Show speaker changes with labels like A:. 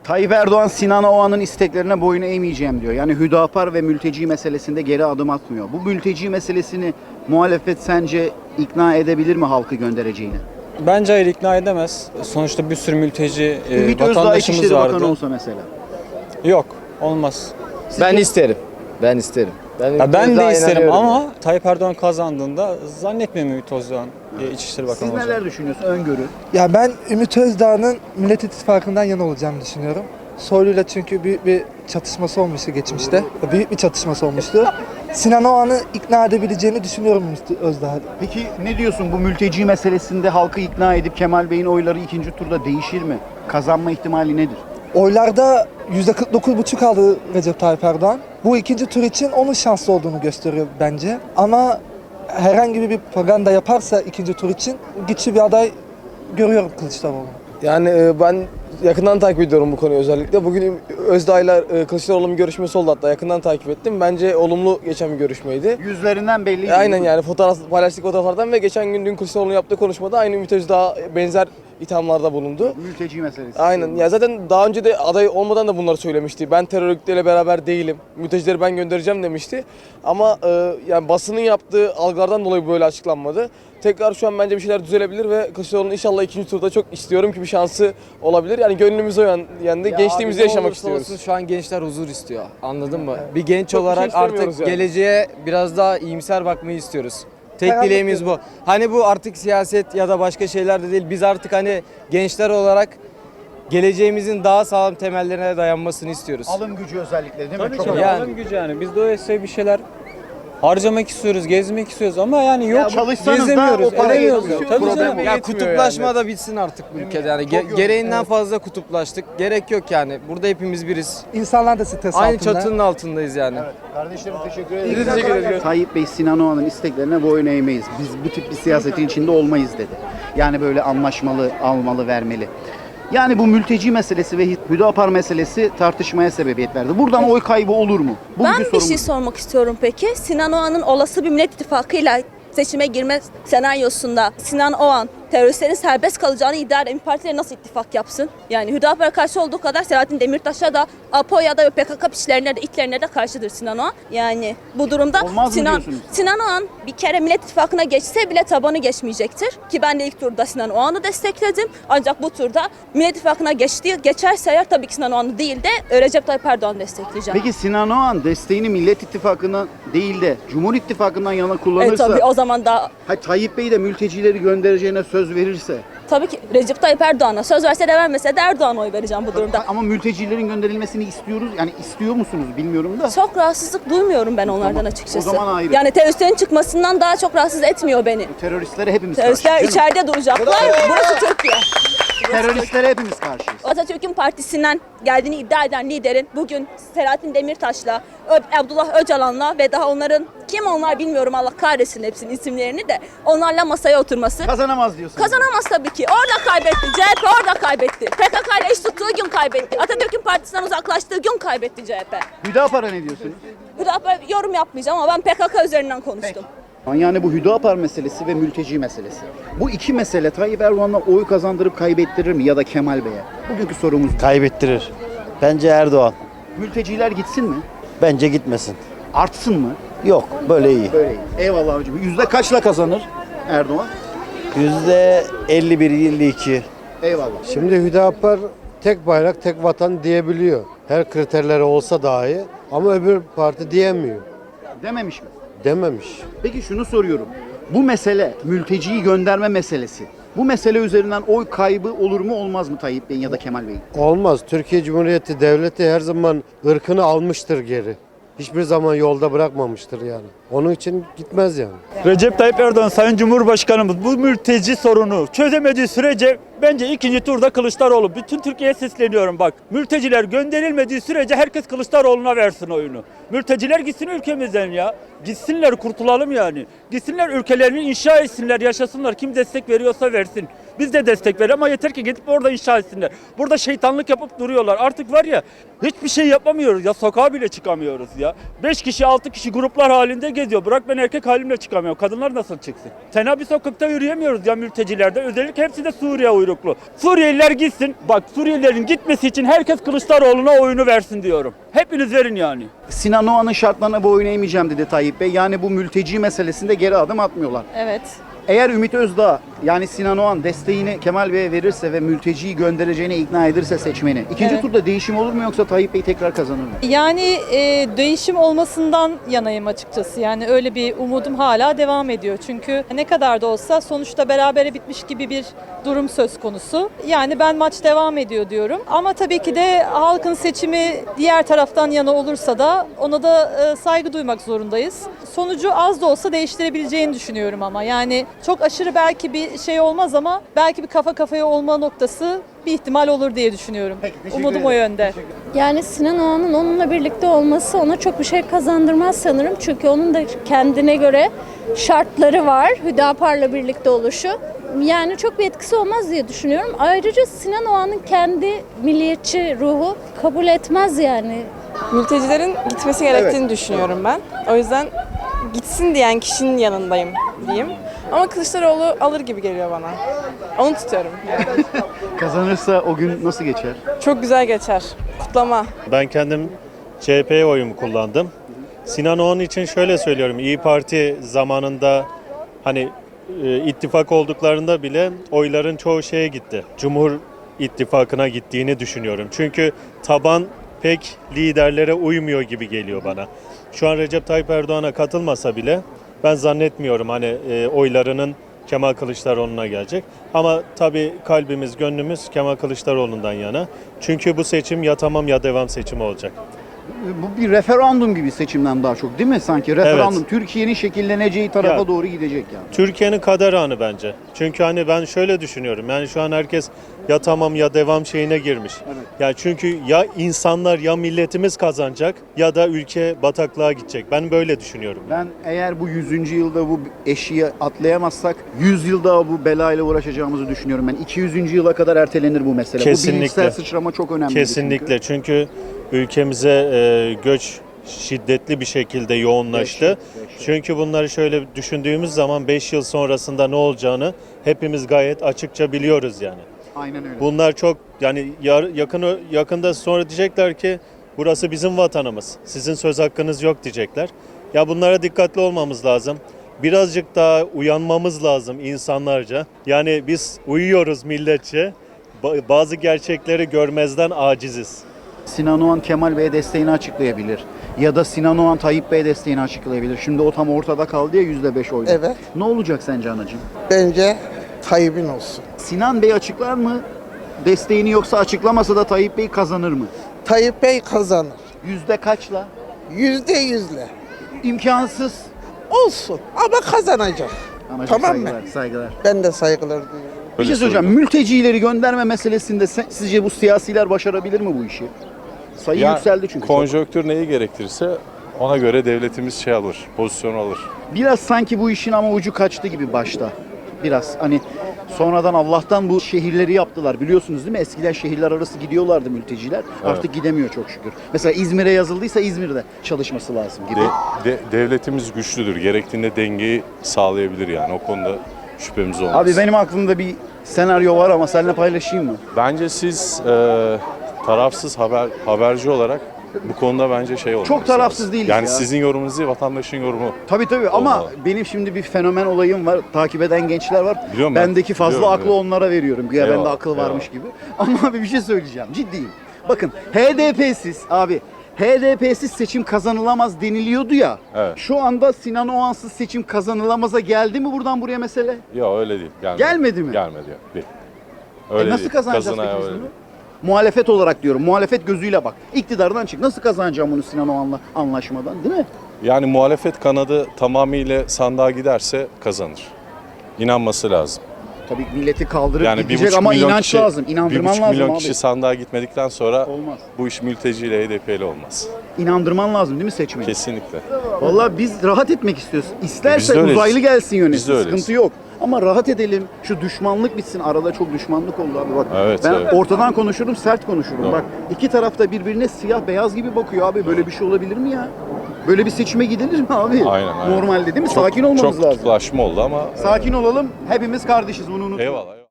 A: Tayyip Erdoğan Sinan Oğan'ın isteklerine boyun eğmeyeceğim diyor. Yani Hüdapar ve mülteci meselesinde geri adım atmıyor. Bu mülteci meselesini muhalefet sence ikna edebilir mi halkı göndereceğini?
B: Bence hayır, ikna edemez. Sonuçta bir sürü mülteci
A: Ümit Özdağ
B: vatandaşımız
A: İçişleri Bakanı
B: vardı.
A: olsa mesela.
B: Yok, olmaz.
C: Ben isterim. Ben isterim.
B: Ya ben de isterim
C: inanıyorum.
B: ama Tayyip Erdoğan kazandığında zannetmiyorum Ümit Özdağ'ın İçişleri Bakanı
A: Siz
B: olacağını.
A: neler düşünüyorsunuz? Öngörü.
D: Ya ben Ümit Özdağ'ın Millet İttifakı'ndan yana olacağını düşünüyorum. Soylu'yla çünkü büyük bir çatışması olmuştu geçmişte. Büyük bir çatışması olmuştu. Sinan Oğan'ı ikna edebileceğini düşünüyorum Ümit Özdağ'ı.
A: Peki ne diyorsun bu mülteci meselesinde halkı ikna edip Kemal Bey'in oyları ikinci turda değişir mi? Kazanma ihtimali nedir?
D: Oylarda %49,5 aldı Recep Tayyip Erdoğan. Bu ikinci tur için onun şanslı olduğunu gösteriyor bence. Ama herhangi bir propaganda yaparsa ikinci tur için güçlü bir aday görüyorum Kılıçdaroğlu.
C: Yani ben yakından takip ediyorum bu konuyu özellikle. Bugün Özdağ'la Kılıçdaroğlu'nun görüşmesi oldu, hatta yakından takip ettim. Bence olumlu geçen bir görüşmeydi.
A: Yüzlerinden belli.
C: Aynen, yani paylaştık fotoğraflardan ve geçen gün dün Kılıçdaroğlu'nun yaptığı konuşmada aynı Ümit Özdağ benzer ithamlarda bulundu.
A: Mülteci meselesi.
C: Aynen. Ya zaten daha önce de aday olmadan da bunları söylemişti. Ben terör örgütleriyle beraber değilim. Mültecileri ben göndereceğim demişti. Ama yani basının yaptığı algılardan dolayı böyle açıklanmadı. Tekrar şu an bence bir şeyler düzelebilir ve Kılıçdaroğlu'nun inşallah ikinci turda çok istiyorum ki bir şansı olabilir. Yani gönlümüz o yönde. Gençliğimizi yaşamak istiyoruz.
E: Şu an gençler huzur istiyor. Anladın mı? Bir genç
C: Çok bir şey
E: olarak
C: istemiyoruz
E: artık
C: yani.
E: geleceğe biraz daha iyimser bakmayı istiyoruz. Tek
D: Karanlık
E: dileğimiz bu. Hani bu artık siyaset ya da başka şeyler de değil. Biz artık hani gençler olarak geleceğimizin daha sağlam temellerine dayanmasını istiyoruz.
A: Alım gücü özellikle değil mi?
B: Tabii
A: Çok
B: ki
A: önemli.
B: alım gücü yani. Biz de öyleyse bir şeyler harcamak istiyoruz, gezmek istiyoruz ama yani yok,
A: çalışsanız da
B: gezemiyoruz,
A: o para
B: edemiyoruz.
A: yetmiyor.
B: Tabii
A: Problem
B: canım.
A: o.
E: Ya
C: Yetmiyor
E: kutuplaşma
C: yani.
E: da bitsin artık bu ülkede yani.
A: Çok yorucu.
E: Gereğinden fazla kutuplaştık. Gerek yok yani. Burada hepimiz biriz.
D: İnsanlar da stres
E: Aynı
D: altında.
E: çatının altındayız yani.
A: Kardeşlerim teşekkür ederim.
C: Biz teşekkür ederiz.
A: Tayyip Bey Sinan Oğan'ın isteklerine boyun eğmeyiz. Biz bu tip bir siyasetin içinde olmayız dedi. Yani böyle anlaşmalı, almalı, vermeli. Yani bu mülteci meselesi ve Hüdapar meselesi tartışmaya sebebiyet verdi. Buradan oy kaybı olur mu? Bugünkü
F: Ben bir
A: sorumuz.
F: şey sormak istiyorum peki. Sinan Oğan'ın olası bir Millet İttifakı'yla seçime girme senaryosunda Sinan Oğan teröristlerin serbest kalacağını iddia eden bir partiyle nasıl ittifak yapsın? Yani Hüdapar'a karşı olduğu kadar Selahattin Demirtaş'a da APO'ya da ve PKK piçlerine de itlerine de karşıdır Sinan Oğan. Yani bu durumda
A: Olmaz mı
F: Sinan
A: diyorsunuz?
F: Sinan Oğan bir kere Millet İttifakı'na geçse bile tabanı geçmeyecektir. Ki ben de ilk turda Sinan Oğan'ı destekledim. Ancak bu turda Millet İttifakı'na geçerse eğer tabii ki Sinan Oğan'ı değil de Recep Tayyip Erdoğan'ı destekleyeceğim.
A: Peki Sinan Oğan desteğini Millet İttifakı'na değil de Cumhur İttifakı'ndan yana kullanırsa,
F: Tabii o zaman da
A: Tayyip Bey de mültecileri göndereceğine söz verirse,
F: tabii ki Recep Tayyip Erdoğan'a söz verse de vermese de Erdoğan'a oy vereceğim bu durumda.
A: ama mültecilerin gönderilmesini istiyoruz. Yani istiyor musunuz bilmiyorum da.
F: Çok rahatsızlık duymuyorum ben onlardan açıkçası.
A: o zaman ayrı.
F: Yani teröristlerin çıkmasından daha çok rahatsız etmiyor beni.
A: Teröristlere hepimiz
F: Teröristler
A: karşıyız.
F: içeride duracaklar. Burası Türkiye.
A: Teröristlere hepimiz karşıyız.
F: Atatürk'ün partisinden geldiğini iddia eden liderin bugün Selahattin Demirtaş'la, Abdullah Öcalan'la ve daha onların kim onlar bilmiyorum, Allah kahretsin hepsinin isimlerini de, onlarla masaya oturması.
A: Kazanamaz diyorsunuz.
F: Kazanamaz tabii ki. Orada kaybetti. CHP orada kaybetti. PKK ile eş tuttuğu gün kaybetti. Atatürk'ün partisinden uzaklaştığı gün kaybetti CHP.
A: Hüdapar'a ne diyorsunuz?
F: Hüdapar yorum yapmayacağım ama ben PKK üzerinden konuştum.
A: Yani bu Hüdapar meselesi ve mülteci meselesi. Bu iki mesele Tayyip Erdoğan'la oy kazandırıp kaybettirir mi ya da Kemal Bey'e? Bugünkü sorumuz bu.
G: Kaybettirir. Bence Erdoğan.
A: Mülteciler gitsin mi?
G: Bence gitmesin.
A: Artsın mı?
G: Yok, böyle iyi.
A: Böyle. Eyvallah abicim. Yüzde kaçla kazanır Erdoğan?
G: %51-52.
A: Eyvallah.
H: Şimdi Hüdapar tek bayrak tek vatan diyebiliyor. Her kriterleri olsa dahi ama öbür parti diyemiyor.
A: Dememiş mi?
H: Dememiş.
A: Peki şunu soruyorum. Bu mesele, mülteciyi gönderme meselesi. Bu mesele üzerinden oy kaybı olur mu olmaz mı Tayyip Bey'in ya da Kemal Bey'in?
H: Olmaz. Türkiye Cumhuriyeti Devleti her zaman ırkını almıştır geri. Hiçbir zaman yolda bırakmamıştır yani. Onun için gitmez yani.
I: Recep Tayyip Erdoğan Sayın Cumhurbaşkanımız bu mülteci sorunu çözemediği sürece bence ikinci turda Kılıçdaroğlu. Bütün Türkiye'ye sesleniyorum bak. Mülteciler gönderilmediği sürece herkes Kılıçdaroğlu'na versin oyunu. Mülteciler gitsin ülkemizden ya. Gitsinler, kurtulalım yani. Gitsinler, ülkelerini inşa etsinler, yaşasınlar. Kim destek veriyorsa versin. Biz de destek verelim ama yeter ki gidip orada inşa etsinler. Burada şeytanlık yapıp duruyorlar. Artık var ya hiçbir şey yapamıyoruz ya, sokağa bile çıkamıyoruz ya. 5 kişi 6 kişi gruplar halinde geziyor. Bırak ben erkek halimle çıkamıyorum. Kadınlar nasıl çıksın? Tenha bir sokakta yürüyemiyoruz ya mültecilerde. Özellikle hepsi de Suriye uyruklu. Suriyeliler gitsin. Bak Suriyelilerin gitmesi için herkes Kılıçdaroğlu'na oyunu versin diyorum. Hepiniz verin yani.
A: Sinan Oğan'ın şartlarına boyun eğmeyeceğim dedi Tayyip Bey. Yani bu mülteci meselesinde geri adım atmıyorlar.
F: Evet.
A: Eğer Ümit Özdağ yani Sinan Oğan desteğini Kemal Bey'e verirse ve mülteciyi göndereceğine ikna edirse seçmeni, ikinci
J: Evet.
A: turda değişim olur mu yoksa Tayyip Bey tekrar kazanır mı?
J: Yani değişim olmasından yanayım açıkçası. Yani öyle bir umudum hala devam ediyor. Çünkü ne kadar da olsa sonuçta berabere bitmiş gibi bir durum söz konusu. Yani ben maç devam ediyor diyorum. Ama tabii ki de halkın seçimi diğer taraftan yana olursa da ona da saygı duymak zorundayız. Sonucu az da olsa değiştirebileceğini düşünüyorum ama. Yani çok aşırı belki bir şey olmaz ama belki bir kafa kafaya olma noktası bir ihtimal olur diye düşünüyorum. Umudum o yönde.
K: Yani Sinan Oğan'ın onunla birlikte olması ona çok bir şey kazandırmaz sanırım. Çünkü onun da kendine göre şartları var Hüdapar'la birlikte oluşu. Yani çok bir etkisi olmaz diye düşünüyorum. Ayrıca Sinan Oğan'ın kendi milliyetçi ruhu kabul etmez yani.
L: Mültecilerin gitmesi gerektiğini düşünüyorum ben. O yüzden gitsin diyen kişinin yanındayım diyeyim. Ama Kılıçdaroğlu alır gibi geliyor bana. Onu tutuyorum yani.
A: Kazanırsa o gün nasıl geçer?
L: Çok güzel geçer. Kutlama.
M: Ben kendim CHP'ye oyumu kullandım. Sinan Oğan için şöyle söylüyorum. İyi Parti zamanında hani ittifak olduklarında bile oyların çoğu şeye gitti. Cumhur İttifakı'na gittiğini düşünüyorum. Çünkü taban pek liderlere uymuyor gibi geliyor bana. Şu an Recep Tayyip Erdoğan'a katılmasa bile ben zannetmiyorum hani oylarının Kemal Kılıçdaroğlu'na gelecek. Ama tabii kalbimiz, gönlümüz Kemal Kılıçdaroğlu'ndan yana. Çünkü bu seçim ya tamam ya devam seçimi olacak.
A: Bu bir referandum gibi seçimden daha çok değil mi sanki? Referandum Türkiye'nin şekilleneceği tarafa
M: Ya,
A: doğru gidecek yani.
M: Türkiye'nin kader anı bence. Çünkü hani ben şöyle düşünüyorum. Yani şu an herkes ya tamam ya devam şeyine girmiş.
A: Evet.
M: Yani çünkü ya insanlar ya milletimiz kazanacak ya da ülke bataklığa gidecek. Ben böyle düşünüyorum.
A: Ben eğer bu 100. yılda bu eşiği atlayamazsak 100 yıl daha bu belayla uğraşacağımızı düşünüyorum. Ben 200. yıla kadar ertelenir bu mesele.
M: Kesinlikle.
A: Bu bilinçsel sıçrama çok önemli.
M: Kesinlikle. Çünkü ülkemize göç şiddetli bir şekilde yoğunlaştı. Çünkü bunları şöyle düşündüğümüz zaman 5 yıl sonrasında ne olacağını hepimiz gayet açıkça biliyoruz yani.
A: Aynen öyle.
M: Bunlar çok yani yakında sonra diyecekler ki burası bizim vatanımız. Sizin söz hakkınız yok diyecekler. Ya bunlara dikkatli olmamız lazım. Birazcık daha uyanmamız lazım insanlarca. Yani biz uyuyoruz milletçe. Bazı gerçekleri görmezden aciziz.
A: Sinan Oğan Kemal Bey'e desteğini açıklayabilir. Ya da Sinan Oğan Tayyip Bey'e desteğini açıklayabilir. Şimdi o tam ortada kaldı ya %5 oyla.
N: Evet.
A: Ne olacak sence anacığım?
N: Bence Tayyip'in olsun.
A: Sinan Bey açıklar mı desteğini yoksa açıklamasa da Tayyip Bey kazanır mı?
N: Tayyip Bey kazanır.
A: Yüzde kaçla?
N: %100'le.
A: İmkansız.
N: Olsun ama kazanacak.
A: Anacığım,
N: Tamam mı?
A: saygılar, saygılar.
N: Ben de saygılar duyuyorum.
A: Bir şey söyleyeceğim. Mültecileri gönderme meselesinde sizce bu siyasiler başarabilir mi bu işi? Sayı yükseldi çünkü.
O: Konjonktür neyi gerektirirse ona göre devletimiz şey alır, pozisyon alır.
A: Biraz sanki bu işin ama ucu kaçtı gibi başta. Biraz hani sonradan Allah'tan bu şehirleri yaptılar. Biliyorsunuz değil mi? Eskiden şehirler arası gidiyorlardı mülteciler. Artık gidemiyor çok şükür. Mesela İzmir'e yazıldıysa İzmir'de çalışması lazım gibi.
O: Devletimiz güçlüdür. Gerektiğinde dengeyi sağlayabilir yani. O konuda şüphemiz olmaz.
A: Abi benim aklımda bir senaryo var ama seninle paylaşayım mı?
O: Bence siz tarafsız haberci olarak bu konuda bence şey olması
A: Çok tarafsız
O: lazım.
A: değiliz
O: yani
A: ya.
O: Sizin yorumunuz değil, vatandaşın yorumu.
A: Tabii ama
O: Olmalı.
A: benim şimdi bir fenomen olayım var. Takip eden gençler var.
O: Biliyorum ben,
A: Bendeki fazla
O: biliyorum,
A: aklı onlara veriyorum. Güya bende
O: Eyvallah,
A: akıl varmış gibi. Ama abi bir şey söyleyeceğim. Ciddiyim. Bakın HDP'siz seçim kazanılamaz deniliyordu ya.
O: Evet.
A: Şu anda Sinan Oğansız seçim kazanılamaza geldi mi buradan buraya mesele?
O: Yok öyle değil.
A: Gelmedi mi?
O: Gelmedi. Değil. Öyle
A: Nasıl
O: değil.
A: kazanacağız
O: Kazanaya
A: peki biz
O: öyle
A: bunu?
O: değil.
A: Muhalefet olarak diyorum. Muhalefet gözüyle bak. İktidardan çık. Nasıl kazanacağım bunu Sinan Oğan'la anlaşmadan değil mi?
O: Yani muhalefet kanadı tamamıyla sandığa giderse kazanır. İnanması lazım.
A: Tabii milleti kaldırıp
O: Yani
A: gidecek
O: 1,5
A: ama
O: milyon
A: inanç
O: kişi,
A: lazım. İnandırman
O: 1,5
A: lazım
O: milyon
A: abi.
O: kişi sandığa gitmedikten sonra
A: Olmaz.
O: bu iş mülteciyle HDP'li olmaz.
A: İnandırman lazım değil mi seçmeni?
O: Kesinlikle.
A: Vallahi biz rahat etmek istiyoruz.
O: Biz
A: İsterse
O: de öyleyiz.
A: uzaylı gelsin
O: Biz de
A: yönetsin.
O: öyleyiz.
A: Sıkıntı yok. Ama rahat edelim. Şu düşmanlık bitsin. Arada çok düşmanlık oldu abi bak.
O: Evet,
A: ben
O: evet.
A: ortadan konuşurum, sert konuşurum.
O: Doğru.
A: Bak iki tarafta birbirine siyah beyaz gibi bakıyor abi. Böyle bir şey olabilir mi ya? Böyle bir seçime gidilir mi abi?
O: Aynen, aynen.
A: Normalde değil mi?
O: Çok-
A: Sakin olmamız
O: çok
A: lazım.
O: kutuplaşma oldu ama
A: Sakin olalım. Hepimiz kardeşiz. Bunu unutmayın.
O: eyvallah.